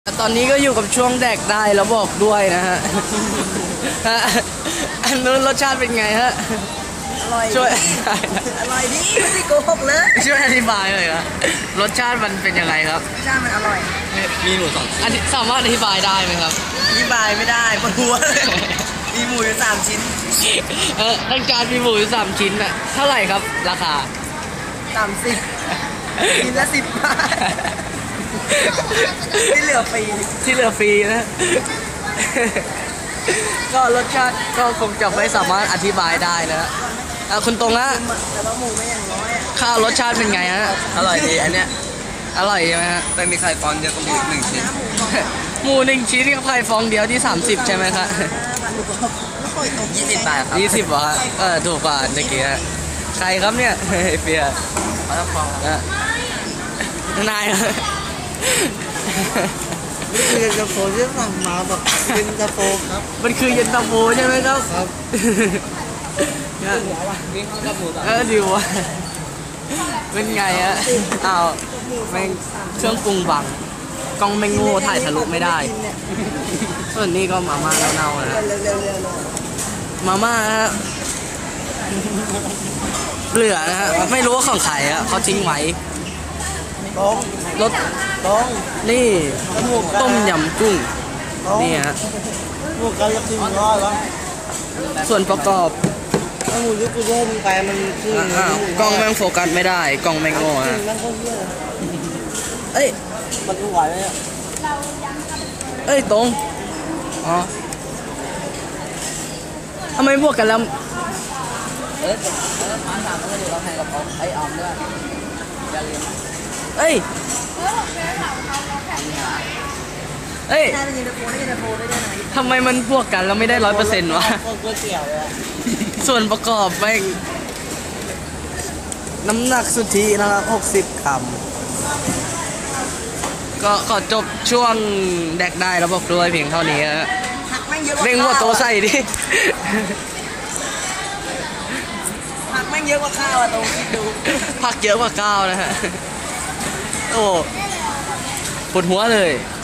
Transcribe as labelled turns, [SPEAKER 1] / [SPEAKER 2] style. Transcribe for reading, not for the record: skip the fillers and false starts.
[SPEAKER 1] ตอนนี้ก็อยู่กับช่วงแดกได้แล้วบอกด้วยนะฮะอันนู้นรสชาติเป็นไงฮะ
[SPEAKER 2] อร่อย
[SPEAKER 1] ช่วย
[SPEAKER 2] อร่อยดีไม่ได้โกหกเลย
[SPEAKER 1] ช่วยอธิบายหน่อยครับรสชาติมันเป็นยังไงครับ
[SPEAKER 2] ชามันอร่อย
[SPEAKER 1] มีหมูสองสามารถอธิบายได้ไหมครับ
[SPEAKER 2] อธิบายไม่ได้ปวดหัวเลยมีหมูอยู่3 ชิ้น
[SPEAKER 1] ทั้งจานมีหมูอยู่3 ชิ้นอะเท่าไหร่ครับราคา
[SPEAKER 2] 30ชิ้นละ10 บาทที่เหลือฟรี
[SPEAKER 1] นะ ก็รสชาติก็คงจะไม่สามารถอธิบายได้นะคุณตรงฮะ
[SPEAKER 2] แต่ว่าหมูไม่อย่างน้อย
[SPEAKER 1] ข้าวรสชาติเป็นไงฮะ
[SPEAKER 2] อร่อยดีอันเนี้ย
[SPEAKER 1] อร่อยใช่ไหมฮะ
[SPEAKER 2] แต่มีไข่ฟองเดียวกับหมู1 ชิ้น
[SPEAKER 1] หมู1 ชิ้นกับไข่ฟองเดียวที่30ใช่ไหมครับ
[SPEAKER 2] 20 บาทครับ
[SPEAKER 1] 20เหรอฮะถูกกว่าเมื่อกี้ใครครับเนี่ยเฟีย
[SPEAKER 2] ปลาฟอง
[SPEAKER 1] นาย
[SPEAKER 2] นี่คือเย็นตาโฟที่สั่งมาแบบเย็นตาโฟครับ
[SPEAKER 1] มันคือเย็นตาโฟใช่ไหมครับ
[SPEAKER 2] ครับ
[SPEAKER 1] ดิวะเป็นไงอะอ้าวแม่งเครื่องปรุงบังกล้องแม่งโง่ถ่ายทะลุไม่ได้ส่วนนี้ก็มาม่าเน่าๆนะมาม่าฮะเหลือนะฮะไม่รู้ว่าของใครอะเขาทิ้งไว้รสนี่ต้มยำกุ้งนี่ฮะ
[SPEAKER 2] พวกกันละ100แล้ว
[SPEAKER 1] ส่วนประกอบ
[SPEAKER 2] ถ้าหมูยุกุโร่มึงไปมันคื
[SPEAKER 1] อกล้องแม่งโฟกัสไม่ได้กล้องแม่งโง่ฮะเอ้ย
[SPEAKER 2] มันไหวไหมเนี่ย
[SPEAKER 1] เอ้ยตรงอ๋อทำไมพวกกันแล้ว
[SPEAKER 2] ผ่าน3 ก็อยู่เราให้กับเขาไอ้ออมด้วยอย่าลืม
[SPEAKER 1] เอ้ยทำไมมันพวกกันแล้วไม่ได้100%วะส่วนประกอบแม่งน้ำหนักสุทธินะครับ60 กรัมก็ขอจบช่วงแดกได้แล้วบอกด้วยเพียงเท่านี้ฮะเร่งหัวโตใส่ดิ
[SPEAKER 2] ผักแม่งเยอะกว่าข้าวอะตรงคิดดู
[SPEAKER 1] ผักเยอะกว่าข้าวนะฮะโอ้ปวดหัวเลย